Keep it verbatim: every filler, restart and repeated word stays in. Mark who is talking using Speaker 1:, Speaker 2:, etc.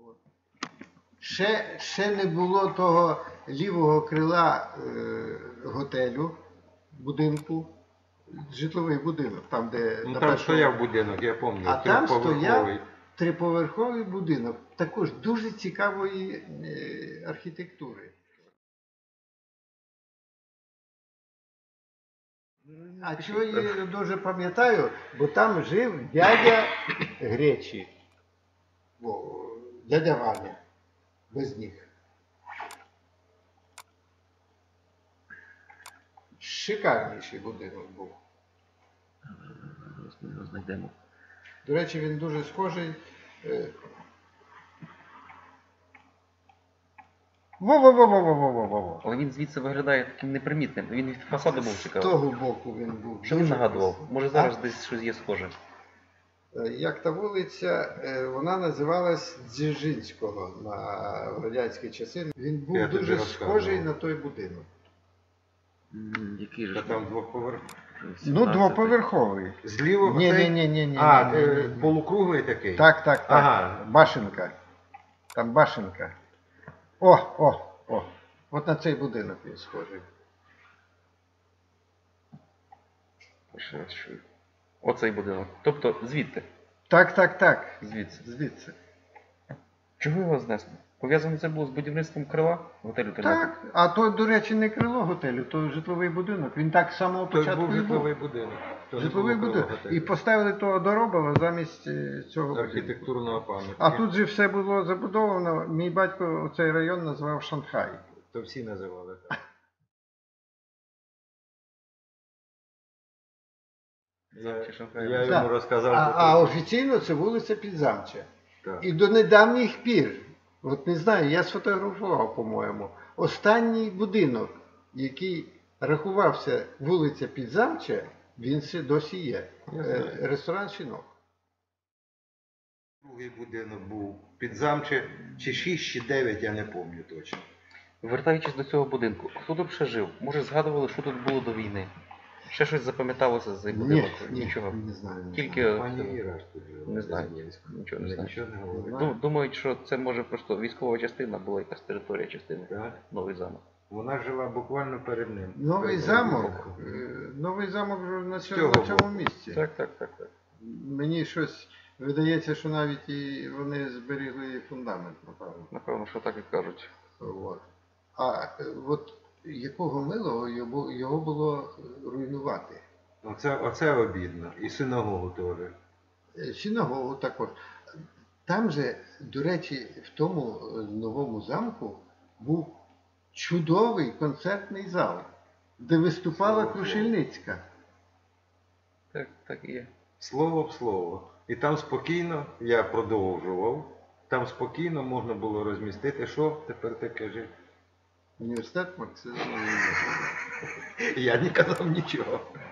Speaker 1: Ще, ще не було того лівого крила е, готелю, будинку, житловий будинок, там, де...
Speaker 2: Ну
Speaker 1: на
Speaker 2: там
Speaker 1: першому-
Speaker 2: стояв будинок, я пам'ятаю,
Speaker 1: А там
Speaker 2: трьохповерховий.
Speaker 1: стояв триповерховий будинок, також дуже цікавої е, архітектури. А чого я дуже пам'ятаю, бо там жив дядя Гречі, О, дядя Ваня, без них. Шикарніший будинок був.
Speaker 3: Ми його знайдемо.
Speaker 1: До речі, він дуже схожий. е, Во-во-во-во-во-во-во-во.
Speaker 3: Але він звідси виглядає таким непримітним. Він від фасаду був
Speaker 1: З
Speaker 3: цікавий.
Speaker 1: того боку він був.
Speaker 3: Що він
Speaker 1: дуже
Speaker 3: нагадував?
Speaker 1: красивий.
Speaker 3: Може
Speaker 1: А?
Speaker 3: зараз десь щось є схоже.
Speaker 1: Е, Як та вулиця, е, вона називалась Дзержинського на радянські часи. Він був
Speaker 2: Я тобі
Speaker 1: дуже
Speaker 2: розказував.
Speaker 1: схожий на той будинок.
Speaker 3: М, Який же
Speaker 2: Та
Speaker 3: ж
Speaker 2: там двоповерх.
Speaker 1: Ну,
Speaker 3: сімнадцятий.
Speaker 1: двоповерховий.
Speaker 2: Зліва
Speaker 1: Ні,
Speaker 2: оцей?
Speaker 1: ні, ні, ні, ні.
Speaker 2: А,
Speaker 1: ні,
Speaker 2: е,
Speaker 1: ні, ні.
Speaker 2: полукруглий такий?
Speaker 1: Так, так, так.
Speaker 2: Ага.
Speaker 1: Башенка. Там башенка. О, о, о. От на цей будинок він схожий.
Speaker 3: Ще раз чую. Оцей будинок. Тобто звідти.
Speaker 1: Так, так, так.
Speaker 3: Звідси.
Speaker 1: Звідси.
Speaker 3: Чого його знесли? Пов'язано це було з будівництвом крила готелю Тернопіль?
Speaker 1: Так. А то, до речі, не крило готелю, то житловий будинок. Він так з самого
Speaker 2: Той
Speaker 1: початку
Speaker 2: був
Speaker 1: і був.
Speaker 2: житловий будинок. То не
Speaker 1: Житловий
Speaker 2: було
Speaker 1: будинок.
Speaker 2: готелю.
Speaker 1: І поставили того Доробова замість е, цього будинку.
Speaker 2: Архітектурного пам'ятника.
Speaker 1: А тут же все було забудовано. Мій батько цей район назвав Шанхай.
Speaker 2: То всі називали так. Я,
Speaker 3: Чи Шанхай?
Speaker 2: я
Speaker 1: Так.
Speaker 2: йому розказав.
Speaker 1: А,
Speaker 2: про
Speaker 1: а
Speaker 2: те,
Speaker 1: офіційно це вулиця Підзамча.
Speaker 2: так.
Speaker 1: І до недавніх пір, от не знаю, я сфотографував, по-моєму, останній будинок, який рахувався вулиця Підзамча, він ще досі є.
Speaker 2: Я
Speaker 1: Е,
Speaker 2: знаю.
Speaker 1: Ресторан «Щінок».
Speaker 2: Другий будинок був під замче, чи шість, чи дев'ять, я не пам'ятаю точно.
Speaker 3: Вертаючись до цього будинку, хто тут ще жив? Може згадували, що тут було до війни? Ще щось запам'яталося з цей будинок?
Speaker 1: Ні,
Speaker 3: Нічого.
Speaker 1: не знаю. не
Speaker 3: Тільки
Speaker 1: знаю.
Speaker 2: Пані Іра ж тут жила.
Speaker 3: не знаю.
Speaker 2: Безнєвська.
Speaker 3: Нічого не
Speaker 2: Ви
Speaker 3: знаю.
Speaker 2: Нічого не говорить.
Speaker 1: знаю.
Speaker 3: Ду- Думають, що це може просто військова частина була, якась територія частини.
Speaker 2: Так.
Speaker 3: Новий замок.
Speaker 2: Вона жила буквально перед ним.
Speaker 1: Новий
Speaker 2: Перед
Speaker 1: замок,
Speaker 2: будинком.
Speaker 1: е, новий замок вже на
Speaker 2: З
Speaker 1: цьому,
Speaker 2: цього
Speaker 1: на цьому
Speaker 2: боку.
Speaker 1: місці.
Speaker 3: Так, так, так, так.
Speaker 1: Мені щось видається, що навіть і вони зберігли фундамент, напевно.
Speaker 3: Напевно, що так і кажуть.
Speaker 1: От. А е, от якого милого його, його було руйнувати?
Speaker 2: Оце, оце обідно. І синагогу теж.
Speaker 1: Е, Синагогу також. Там же, до речі, в тому е, новому замку був чудовий концертний зал, де виступала
Speaker 2: Слава Богу.
Speaker 1: Крушельницька.
Speaker 3: Так, так і є.
Speaker 2: Слово в слово. І там спокійно, я продовжував, там спокійно можна було розмістити, що тепер ти кажи.
Speaker 1: Університет Марксизму.
Speaker 2: Я не казав нічого.